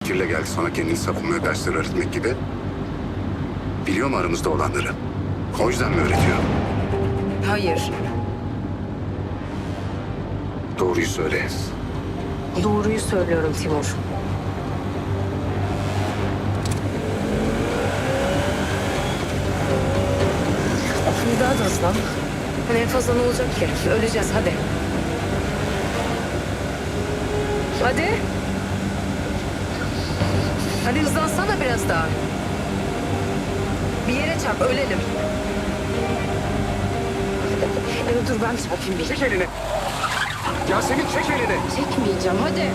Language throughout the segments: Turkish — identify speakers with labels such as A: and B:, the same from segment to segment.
A: Bekir'le geldi sonra kendini savunmaya dersler öğretmek gibi. Biliyor mu aramızda olanları? O yüzden mi öğretiyor?
B: Hayır.
A: Doğruyu söyle.
B: Doğruyu söylüyorum Timur. Bir daha da hızlan. Hani en fazla ne olacak ki? Öleceğiz hadi. Hadi. Hadi hızlansana biraz daha. Bir yere çarp ölelim. Evet, dur ben çarpayım bir.
A: Çek elini. Yasemin çek elini.
B: Çekmeyeceğim hadi.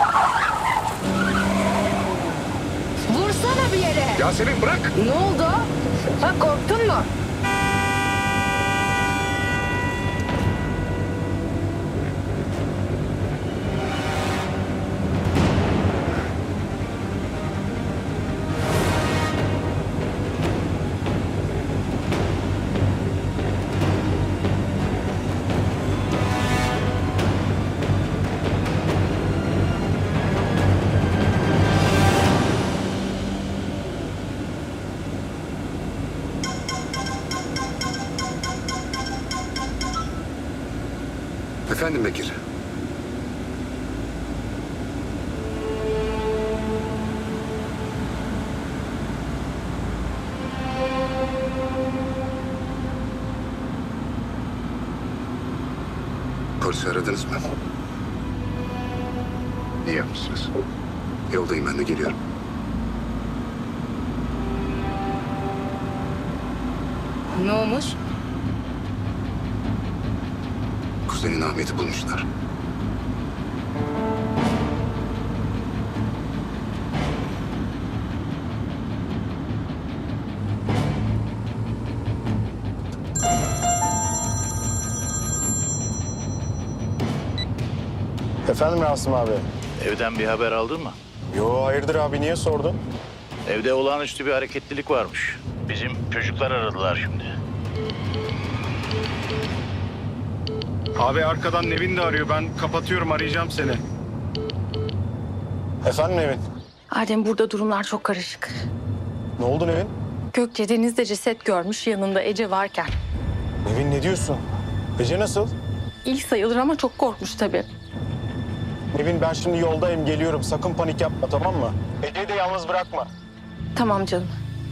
B: Vursana bir yere.
A: Yasemin bırak.
B: Ne oldu? Ha, korktun mu?
A: Efendim Bekir. Polisi aradınız mı? İyi yapmışsınız. Yoldayım ben de geliyorum.
B: Ne olmuş?
A: Kuzenin Ahmet'i bulmuşlar.
C: Efendim Rasim abi?
D: Evden bir haber aldın mı?
C: Yo hayırdır abi niye sordun?
D: Evde olağanüstü bir hareketlilik varmış. Bizim çocuklar aradılar şimdi.
E: Abi arkadan Nevin de arıyor. Ben kapatıyorum, arayacağım seni.
C: Efendim Nevin?
F: Adem, burada durumlar çok karışık.
C: Ne oldu Nevin?
F: Gökçe denizde ceset görmüş, yanında Ece varken.
C: Nevin ne diyorsun? Ece nasıl?
F: İlk sayılır ama çok korkmuş tabii.
C: Nevin ben şimdi yoldayım geliyorum. Sakın panik yapma tamam mı? Ece'yi de yalnız bırakma.
F: Tamam canım.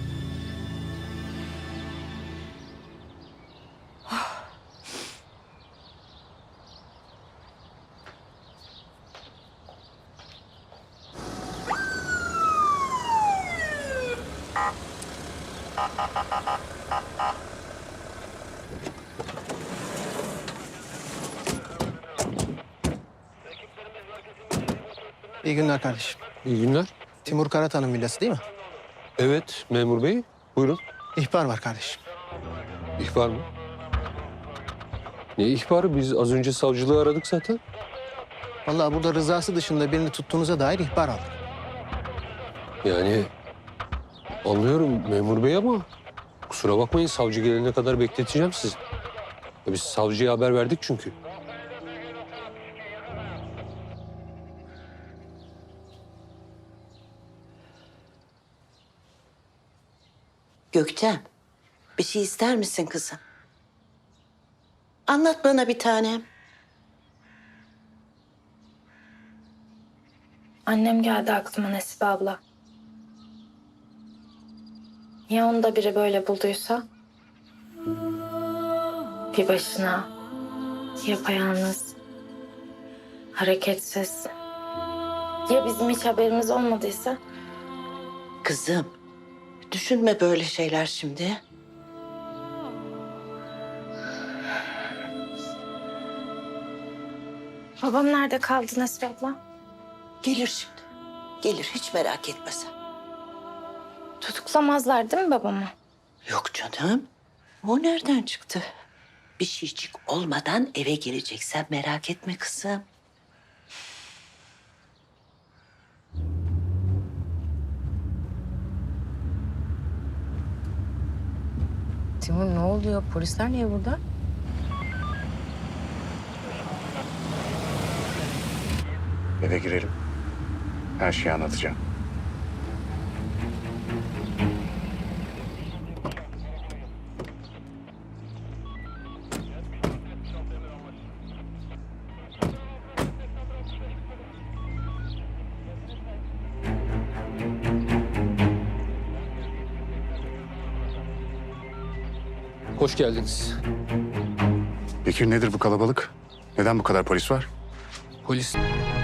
G: İyi günler kardeşim.
H: İyi günler.
G: Timur Karatan'ın villası değil mi?
H: Evet memur bey. Buyurun.
G: İhbar var kardeşim.
H: İhbar mı? Ne ihbarı? Biz az önce savcılığı aradık zaten.
G: Vallahi burada rızası dışında birini tuttuğunuza dair ihbar aldık.
H: Yani anlıyorum memur bey ama kusura bakmayın savcı gelene kadar bekleteceğim sizi. Ya biz savcıya haber verdik çünkü.
I: Gökçen, bir şey ister misin kızım? Anlat bana bir tanem.
F: Annem geldi aklıma Nesibe abla. Ya onu da biri böyle bulduysa? Bir başına, yapayalnız, hareketsiz. Ya bizim hiç haberimiz olmadıysa?
I: Kızım, düşünme böyle şeyler şimdi.
F: Babam nerede kaldı Nesibe abla?
I: Gelir şimdi. Gelir, hiç merak etme sen.
F: Tutuklamazlar değil mi babamı?
I: Yok canım, o nereden çıktı? Bir şeycik olmadan eve geleceksen merak etme kızım.
B: Timur ne oluyor? Polisler niye burada?
A: Eve girelim. Her şeyi anlatacağım.
H: Hoş geldiniz.
A: Bekir nedir bu kalabalık? Neden bu kadar polis var?
H: Polis